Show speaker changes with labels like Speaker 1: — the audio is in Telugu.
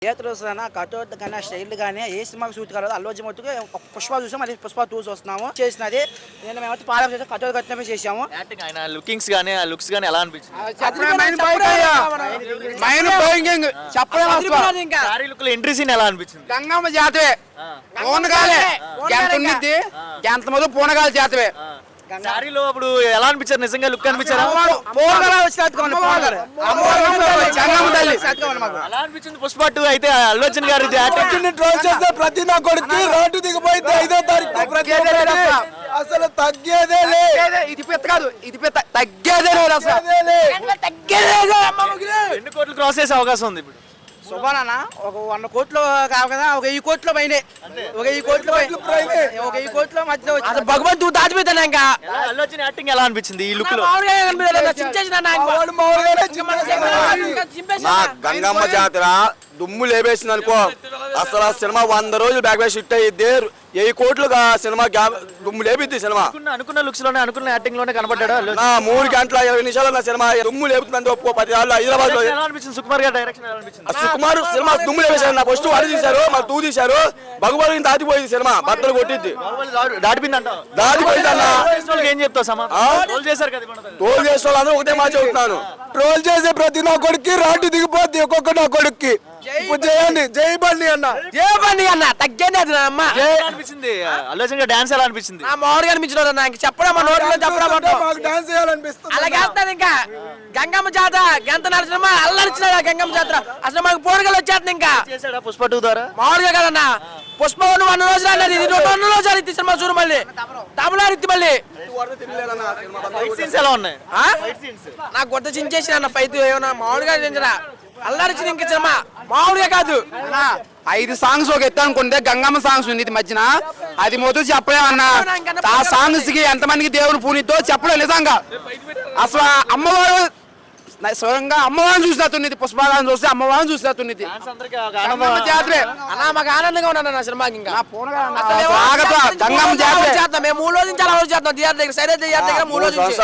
Speaker 1: థియేటర్ వస్తున్నా కటౌట్ కానీ ఆ స్టైల్ కానీ ఏ సినిమాకి సూట్ కాలేదు. అల్లు అర్జున్ మట్టుకు పుష్ప చూసాం, మళ్ళీ పుష్ప 2 చూస్తున్నాము. చేసినది నేను మేమైతే పాలన చేసాం, కటౌట్ కట్టినమే చేసాము.
Speaker 2: ఆయన లుకింగ్స్ కానీ ఆ లుక్స్ కానీ ఎలా అనిపించింది? సారీ లుక్ లో ఎంట్రీ సీన్ ఎలా అనిపించింది?
Speaker 3: గంగమ్మ జాతవే పూనగాలే ఎంత ఉన్నది ఎంత మొదలు పూనగాలి జాతవే.
Speaker 2: సారీలో అప్పుడు ఎలా అనిపించారు? నిజంగా లుక్ అనిపించారా? ఎలా అనిపించింది పుష్ప 2? అయితే అల్లు అర్జున్ గారి
Speaker 4: ట్రోల్ చేస్తే ప్రతి నా కొడుకు రోడ్డు దిగిపోయింది 5వ తారీఖు అసలు తగ్గేదే
Speaker 3: ఇది పెద్ద కాదు, ఇది పెద్ద తగ్గేదే లేదు అసలు.
Speaker 2: ఎన్ని కోట్లు క్రాస్ చేసే అవకాశం ఉంది ఇప్పుడు?
Speaker 1: శుభానా ఒక 100 కోట్లు కావు కదా, ఒక 1000 కోట్లు పైనే, ఒక 1000 కోట్లు ఒక 1000 కోట్ల మధ్య
Speaker 3: అసలు భగవంతుడు దాచిపోతాను. ఇంకా
Speaker 2: అల్లు అర్జున్ యాక్టింగ్ ఎలా అనిపించింది ఈ లుక్ లో?
Speaker 4: నా గంగమ్మ జాతర దుమ్ము లేపేసింది అనుకో. అసలు ఆ సినిమా 100 రోజులు బ్యాక్ బ్యాక్ షిట్ అయ్యిద్ది. 1000 కోట్లు సినిమా దుమ్ము లేపిద్ది. సినిమా
Speaker 2: అనుకున్న లుక్స్ లోనే అనుకున్న యాక్టింగ్ లోనే కనబడ్డాడు.
Speaker 4: నా 3 గంటల 20 నిమిషాలు నా సినిమా దుమ్ము లేపుతుందంటే ఒప్పుకో. 10 సార్లు హైదరాబాద్ లో
Speaker 2: ఎలా అనిపించింది? సుకుమార్ గారి డైరెక్షన్ ఎలా అనిపించింది?
Speaker 4: సుకుమార్ సినిమా దుమ్ము లేపేశారు. నా ఫస్ట్ 1 తీశారు, మళ్ళీ 2 తీశారు. భగవాన్ దాటిపోయింది సినిమా, బట్టలు కొట్టిద్ది,
Speaker 2: దాటిపోయిందంట.
Speaker 4: దాటిపోయిందన్న.
Speaker 2: ఏం చెప్తావు? సమాధానం చేశారు కదా,
Speaker 4: ట్రోల్ చేసే వాళ్ళందరూ ఒకటే మాట చెబుతున్నాను, ట్రోల్ చేసే ప్రతి నా కొడుక్కి రాటు దిగిపోద్ది ఒక్కొక్క నా కొడుక్కి. చేయండి జై బండి అన్న,
Speaker 3: ఏ బండి అన్న తగ్గేది అమ్మ.
Speaker 2: అనిపించింది అల్లు అర్జున్ గారి డాన్స్ ఎలా అనిపించింది?
Speaker 3: మామూలుగా అనిపించలేదు నాకు చెప్పడం, మా నోట్లో చెప్పడం.
Speaker 4: మాకు డాన్స్ చేయాలనిపిస్తుంది.
Speaker 3: అలాగే వేస్తాను. ఇంకా గంగమ్మ జాతర గంత నడిచిన అల్లరిచిన గంగమ్మ జాతర అసలు మాకు పోరగలు వచ్చేస్తుంది. ఇంకా
Speaker 2: చేశాడా పుష్ప 2 ద్వారా?
Speaker 3: మామూలుగా కదన్నా పుష్ప 1 రోజులు అన్నది, ఇది 2 రోజులు ఇచ్చి సినిమా చూడు. మళ్ళీ తమిళనాడు ఇత్తి మళ్ళీ
Speaker 2: ఎలా ఉన్నాయి?
Speaker 3: నాకు కొత్త చించేసి అన్న ఫైట్ ఏమన్నా మామూలుగా చించరా అల్లరిచిన ఇంక సినిమా మామూలుగా కాదు. 5 సాంగ్స్ ఒక ఎత్తు అనుకుంటే గంగమ్మ సాంగ్స్ ఉంది ఇది మధ్యన, అది మొదలు చెప్పలేమన్నా. ఆ సాంగ్స్ కి ఎంతమందికి దేవుని పూనితో చెప్పలేదు నిజంగా. అసలు అమ్మవారు స్వయంగా అమ్మవారిని చూసినట్టున్నది, పుష్పగాన్ని చూస్తే అమ్మవారిని చూసినట్టున్నది. జాతరే అలా మాకు ఆనందంగా ఉన్నాను నా సినిమాకి. ఇంకా గంగమ్మ జాతర మేము 3 రోజుల నుంచి అలా చేస్తాం. థియేటర్ దగ్గర సైలెంట్ థియేటర్ దగ్గర 3 రోజులు